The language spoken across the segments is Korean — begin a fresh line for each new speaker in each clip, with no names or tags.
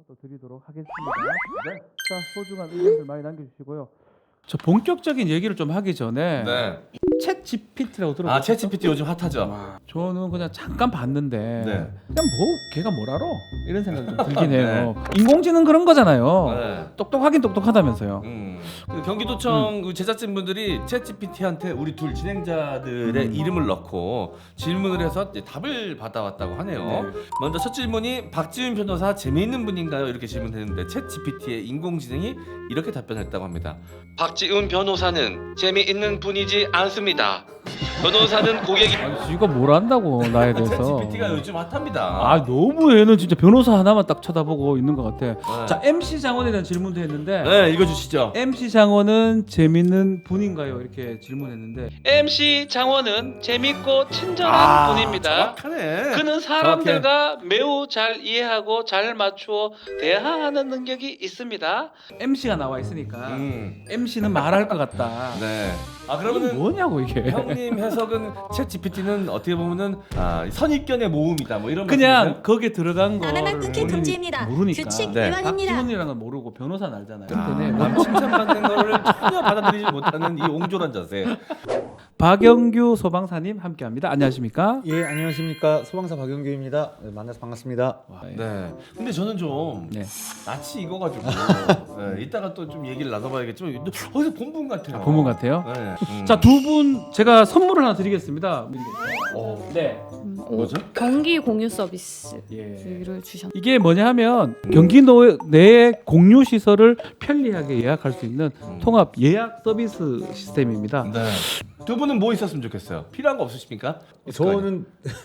또 드리도록 하겠습니다. 네. 자, 소중한 의견들 많이 남겨주시고요. 저 본격적인 얘기를 좀 하기 전에
네.
챗 GPT라고 들어봤어요?
챗 GPT 요즘 핫하죠.
저는 그냥 잠깐 봤는데
네.
그냥 뭐 걔가 뭘 알아? 이런 생각이 좀 들긴 해요. 인공지능 그런 거잖아요.
네.
똑똑하긴 똑똑하다면서요.
그 경기도청 그 제작진분들이 챗 GPT한테 우리 둘 진행자들의 이름을 넣고 질문을 해서 이제 답을 받아왔다고 하네요.
네.
먼저 첫 질문이 박지훈 변호사 재미있는 분인가요? 이렇게 질문했는데 챗 GPT의 인공지능이 이렇게 답변했다고 합니다. 박지훈 변호사는 재미있는 분이지 않습니다. 변호사는 고객이
아니, 지가 뭘 안다고 나에
챗
대해서.
GPT가 요즘 핫합니다.
아 너무 얘는 진짜 변호사 하나만 딱 쳐다보고 있는 것 같아.
네.
자 MC 장원에 대한 질문도 했는데
네, 읽어주시죠.
MC 장원은 재밌는 분인가요? 이렇게 질문했는데
MC 장원은 재밌고 친절한 분입니다.
정확하네.
그는 사람들과 매우 잘 이해하고 잘 맞추어 대화하는 능력이 있습니다.
MC가 나와 있으니까
음.
MC는 말할 것 같다.
네. 아
이게
그러면은
뭐냐고 이게.
형님 해석은 챗 GPT는 어떻게 보면은 선입견의 모음이다 뭐 이런
그냥
말씀이세요?
거기에 들어간 거
바나나 끊기 금지입니다.
모르니까.
규칙
네.
위반입니다.
박지훈이라는 걸 모르고 변호사는 알잖아요. 네.
남 칭찬받는 거를 전혀 받아들이지 못하는 이 옹졸한 자세.
박영규 소방사님 함께합니다. 안녕하십니까?
예, 안녕하십니까. 소방사 박영규입니다. 네, 만나서 반갑습니다.
와,
네. 근데 저는 좀
네.
낯이 익어가지고 네, 이따가 또 좀 얘기를 나눠봐야겠지만 어디서 본 분 같아요.
본분 같아요.
네.
자, 두 분 제가 선물을 하나 드리겠습니다. 네.
뭐죠?
경기 공유 서비스를
예.
주셨.
이게 뭐냐 하면 경기도 내의 공유 시설을 편리하게 예약할 수 있는 통합 예약 서비스 시스템입니다.
네. 두 분은 뭐 있었으면 좋겠어요? 필요한 거 없으십니까?
저는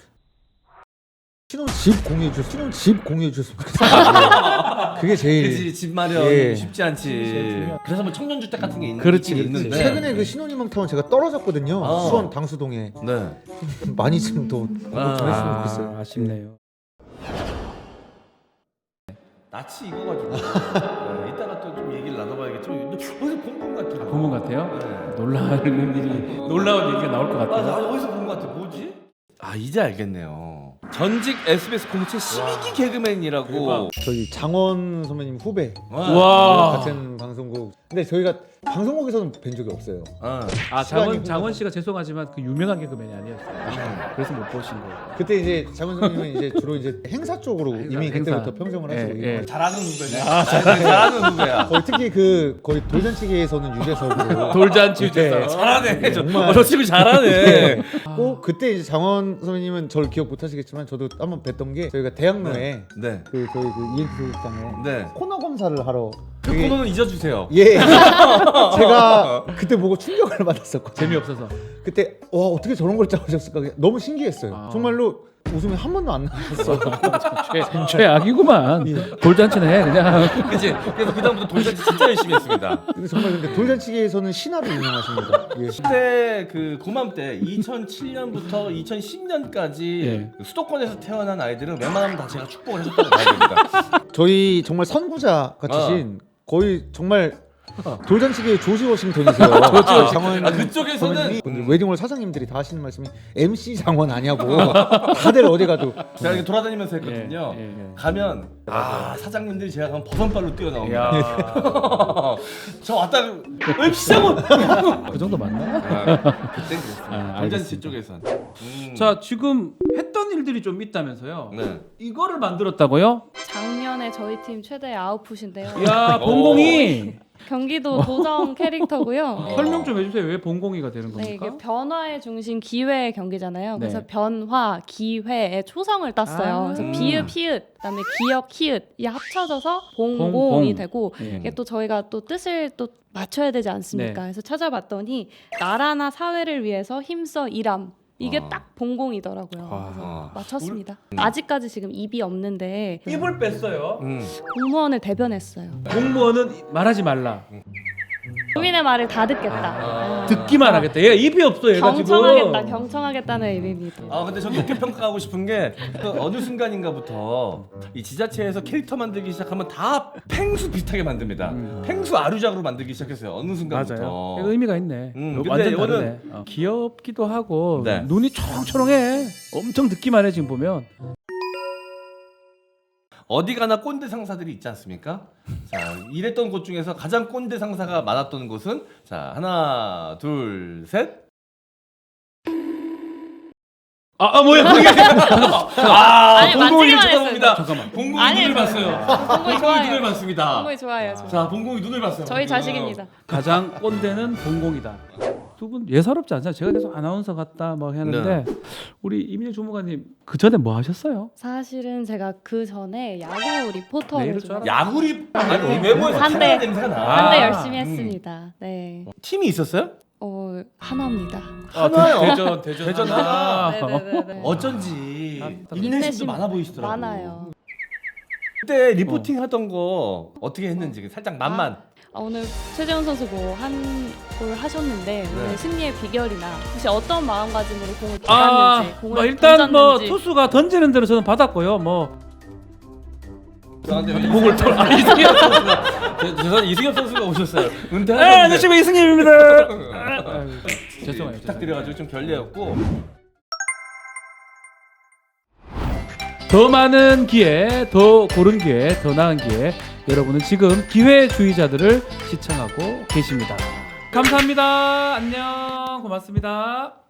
신혼집 공유해 주셨으면 좋겠어요. 그게 제일
그지 집 마련
예.
쉽지 않지. 그래서 뭐 청년주택 같은 게
그렇지,
있긴
그렇지.
있는데.
최근에 그 신혼희망타운 제가 떨어졌거든요.
아.
수원 당수동에
네.
많이 좀 더 전했으면 좋겠어요.
아쉽네요.
낯이 익어가지고 네, 이따가 또 좀 얘기를 나눠봐야겠지만 어디서 본 분 같아요.
본 분 같아요?
네.
놀라운 얘기가 나올 것
나
같아요.
어디서 본 것 같아. 뭐지? 아 이제 알겠네요. 전직 SBS 공채 12기 개그맨이라고.
저희 장원 선배님 후배
와.
같은 방송국. 근데 저희가 방송국에서는 뵌 적이 없어요.
아,
시간이
장원 씨가 죄송하지만 그 유명한 개그맨이 아니었어요. 그래서 못 보신 거예요.
그때 이제 장원 선배님은 이제 주로 이제 행사 쪽으로 이미
행사.
그때부터 평정을 하시고
예, 예.
잘하는 후배네. 잘하는 후배야.
거의 특히 그 거의 돌잔치계에서는 유재석으로
돌잔치
네.
유재석.
잘하네.
정말.
저 친구 잘하네.
꼭 그때 이제 장원 선배님은 저를 기억 못 하시겠지만 저도 한번 뵀던 게 저희가 대학로에
네.
그 저희 그 ENT 소극장에
네.
코너 검사를 하러
그
되게-
코너는 잊어주세요.
예 제가 그때 보고 충격을 받았었거든요.
재미없어서.
그때 와 어떻게 저런 걸 짜오셨을까 너무 신기했어요.
아.
정말로 웃음이 한 번도 안 나왔어.
최악이구만. 돌잔치는 해 그냥.
그치? 그래서 그다음부터 돌잔치 진짜 열심히 했습니다.
근데 정말 근데 돌잔치계에서는 신화로 유명하십니다. 예.
그때 그 고맘때 2007년부터 2010년까지
예.
수도권에서 태어난 아이들은 웬만하면 다 제가 축복을 해줬다고 봐야 됩니다.
저희 정말 선구자 같으신 거의 정말 돌잔치계의 조지 워싱턴이세요. 장원
그쪽에서는
선배님이 웨딩홀 사장님들이 다 하시는 말씀이 MC 장원 아냐고 다들 어디 가도
제가 이렇게 돌아다니면서 했거든요.
예, 예.
가면 사장님들이 제가 가면 버선발로 뛰어나옵니다.
야.
저 왔다 시장은
그 정도 맞나?
그때 그랬어요.
아,
돌잔치
알겠습니다.
쪽에선.
자, 지금 했던 일들이 좀 있다면서요.
네.
이거를 만들었다고요?
작년에 저희 팀 최대 아웃풋인데요.
야, 봉공이.
경기도 도정 캐릭터고요.
설명 좀 해주세요. 왜 봉공이가 되는 겁니까?
네, 이게 변화의 중심 기회 경기잖아요. 그래서
네.
변화, 기회의 초성을 땄어요.
아.
그래서 비읍, 히읗, 그다음에 기역, 히읗 이 합쳐져서 봉공이
봉공.
되고
예.
이게 또 저희가 또 뜻을 또 맞춰야 되지 않습니까?
네.
그래서 찾아봤더니 나라나 사회를 위해서 힘써 일함. 이게 딱 봉공이더라고요. 그래서 맞췄습니다. 아직까지 지금 입이 없는데
입을 뺐어요.
공무원을 대변했어요.
공무원은 말하지 말라.
국민의 말을 다 듣겠다.
듣기만 하겠다. 얘 입이 없어 얘가
경청하겠다,
지금.
경청하겠다는 의미입니다.
근데 저는 이렇게 평가하고 싶은 게그 어느 순간인가부터 이 지자체에서 캐릭터 만들기 시작하면 다 팽수 비슷하게 만듭니다. 팽수 아류작으로 만들기 시작했어요. 어느 순간부터.
맞아요. 의미가 있네.
근데
완전
이거는-
다르네. 귀엽기도 하고
네.
눈이 초롱초롱해. 엄청 듣기만 해 지금 보면.
어디 가나 꼰대 상사들이 있지 않습니까? 자, 일했던 곳 중에서 가장 꼰대 상사가 많았던 곳은 자, 하나, 둘, 셋. 뭐야 그게
아니,
봉공이
만지기만
쳐다봅니다.
잠깐만.
봉공이
아니,
눈을 봤어요.
봉공이
봉공이
좋아요.
눈을 봤습니다.
봉공이 좋아요. 저.
자, 봉공이 눈을 봤어요.
저희 자식입니다.
가장 꼰대는 봉공이다. 두 분 예사롭지 않잖아요. 제가 계속 아나운서 같다 뭐 하는데 우리 이민혁 주무관님 그 전에 뭐 하셨어요?
사실은 제가 그 전에 야구 리포터를
내일
좀
줄 알았-
야구리 아니 외모에서
한대.
카메라 냄새가 나.
한때
아.
열심히 했습니다. 네.
팀이 있었어요?
하나입니다.
하나요.
대전
아.
네네네.
어쩐지
아,
인내심도 많아 보이시더라고.
많아요.
그때 리포팅 하던 거 어떻게 했는지 살짝 맛만.
오늘 최재훈 선수 뭐 한 골 하셨는데
네.
오늘 승리의 비결이나 혹시 어떤 마음가짐으로 공을
아,
받았는지 공을
뭐 일단 뭐
던졌는지.
투수가 던지는 대로 저는 받았고요. 뭐
목을 털. 아, 이승엽 선수가 죄송한 이승엽 선수가 오셨어요. 은퇴하셨는데.
안녕하십니까 이승엽입니다. 죄송해요.
부탁드려가지고 좀 결례였고.
더 많은 기회, 더 고른 기회, 더 나은 기회. 여러분은 지금 기회주의자들을 시청하고 계십니다. 감사합니다. 안녕. 고맙습니다.